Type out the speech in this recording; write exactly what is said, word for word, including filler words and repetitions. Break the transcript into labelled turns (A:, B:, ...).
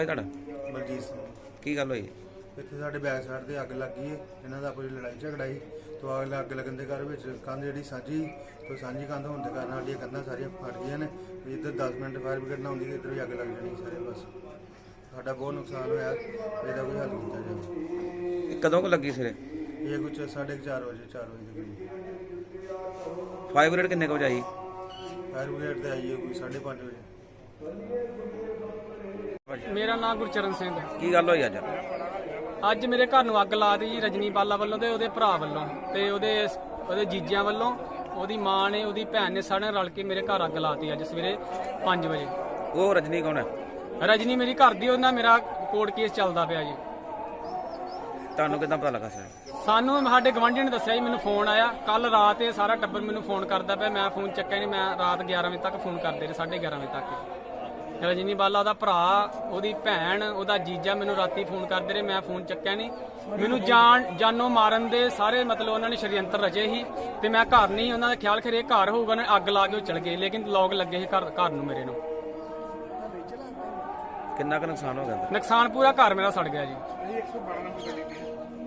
A: ਹੈ ਤੁਹਾਡਾ?
B: ਬਲਜੀਤ ਸਿੰਘ।
A: ਕੀ ਗੱਲ ਹੋਈ?
B: ਇੱਥੇ ਸਾਡੇ ਬੈਕ ਸਾਈਡ ਤੇ ਅੱਗ ਲੱਗੀ ਹੈ। ਇਹਨਾਂ ਦਾ ਆਪਣੀ ਲੜਾਈ ਝਗੜਾ ਸੀ। ਤੋਂ ਅੱਗ ਅੱਗ ਲੱਗਣ ਦੇ ਘਰ ਵਿੱਚ ਕੰਧ ਜਿਹੜੀ ਸਾਂਝੀ ਤੋਂ ਸਾਂਝੀ ਕੰਧ ਹੋਣ ਦੇ ਕਾਰਨ ਸਾਡੀਆਂ ਕੰਧਾਂ ਸਾਰੀਆਂ ਫਟ ਗਈਆਂ ਨੇ। ਵੀ ਇੱਧਰ ਦਸ ਮਿੰਟ ਫਾਇਰ ਬ੍ਰਿਗੇਡ ਨਾ ਆਉਂਦੀ ਤੇ ਇੱਧਰ ਵੀ ਅੱਗ ਲੱਗ ਜਾਣੀ ਸਾਰੇ। ਬਸ ਸਾਡਾ ਬਹੁਤ ਨੁਕਸਾਨ ਹੋਇਆ, ਇਹਦਾ ਕੋਈ ਹੱਲ ਕੀਤਾ ਜਾਵੇ।
A: ਇਹ ਕਦੋਂ ਕੁ ਲੱਗੀ ਸਿਰੇ?
B: ਇਹ ਕੁਛ ਸਾਢੇ ਕੁ ਚਾਰ ਵਜੇ ਚਾਰ ਵਜੇ ਦੇ ਕਰੀਬ।
A: ਫਾਇਰ ਬ੍ਰਿਗੇਡ ਕਿੰਨੇ ਕੁ ਵਜੇ ਆਈ?
B: ਫਾਇਰ ਬ੍ਰਿਗੇਡ ਤੇ ਆਈ ਹੈ ਕੋਈ ਸਾਢੇ ਪੰਜ ਵਜੇ।
C: ਮੇਰਾ ਨਾਮ ਗੁਰਚਰਨ ਸਿੰਘ ਹੈ।
A: ਕੀ ਗੱਲ ਹੋਈ ਅੱਜ?
C: ਅੱਜ ਮੇਰੇ ਘਰ ਨੂੰ ਅੱਗ ਲਾ ਦਿੱਤੀ ਜੀ ਰਜਨੀ ਬਾਲਾ ਵੱਲੋਂ ਤੇ ਉਹਦੇ ਭਰਾ ਵੱਲੋਂ ਤੇ ਉਹਦੇ ਉਹਦੇ ਜੀਜਿਆਂ ਵੱਲੋਂ। ਉਹਦੀ ਮਾਂ ਨੇ ਉਹਦੀ ਭੈਣ ਨੇ ਸਾਰਿਆਂ ਰਲ ਕੇ ਮੇਰੇ ਘਰ ਅੱਗ ਲਾਤੀ ਅੱਜ ਸਵੇਰੇ ਪੰਜ ਵਜੇ।
A: ਉਹ ਰਜਨੀ ਕੌਣ ਹੈ?
C: ਰਜਨੀ ਮੇਰੀ ਘਰ ਦੀ, ਉਹਨਾਂ ਮੇਰਾ ਕੋਰਟ ਕੇਸ ਚੱਲਦਾ ਪਿਆ ਜੀ।
A: ਤੁਹਾਨੂੰ ਕਿੱਦਾਂ ਪਤਾ ਲੱਗਾ ਸਰ?
C: ਸਾਨੂੰ ਸਾਡੇ ਗਵਾਂਢੀ ਨੇ ਦੱਸਿਆ ਜੀ, ਮੈਨੂੰ ਫੋਨ ਆਇਆ ਕੱਲ ਰਾਤ। ਇਹ ਸਾਰਾ ਟੱਬਰ ਮੈਨੂੰ ਫੋਨ ਕਰਦਾ ਪਿਆ, ਮੈਂ ਫੋਨ ਚੱਕਿਆ ਨਹੀਂ। ਮੈਂ ਰਾਤ ਗਿਆਰਾਂ ਵਜੇ ਤੱਕ ਫੋਨ ਕਰਦੇ ਰਹੇ, ਸਾਢੇ ਗਿਆਰਾਂ ਵਜੇ ਤੱਕ। ਰਜਨੀ ਬਾਲਾ ਦਾ ਭਰਾ, ਉਹਦੀ ਭੈਣ, ਉਹਦਾ ਜੀਜਾ ਮੈਨੂੰ ਰਾਤੀ ਫੋਨ ਕਰਦੇ ਰਹੇ, ਮੈਂ ਫੋਨ ਚੱਕਿਆ ਨਹੀਂ। ਮੈਨੂੰ ਜਾਨ ਜਾਨੋਂ ਮਾਰਨ ਦੇ ਸਾਰੇ ਮਤਲਬ ਉਹਨਾਂ ਨੇ ਸ਼ਰੀਅੰਤਰ ਰਚੇ ਸੀ ਤੇ ਮੈਂ ਘਰ ਨਹੀਂ। ਉਹਨਾਂ ਦਾ ਖਿਆਲ ਖਰੇ ਘਰ ਹੋਊਗਾ, ਨਾ ਅੱਗ ਲਾ ਕੇ ਉਹ ਚਲ ਗਏ, ਲੇਕਿਨ ਲੋਕ ਲੱਗੇ ਸੀ ਘਰ ਘਰ ਨੂੰ ਮੇਰੇ ਨੂੰ।
A: ਕਿੰਨਾ ਕੁ ਨੁਕਸਾਨ ਹੋ ਗਿਆ?
C: ਨੁਕਸਾਨ ਪੂਰਾ ਘਰ ਮੇਰਾ ਸੜ ਗਿਆ ਜੀ।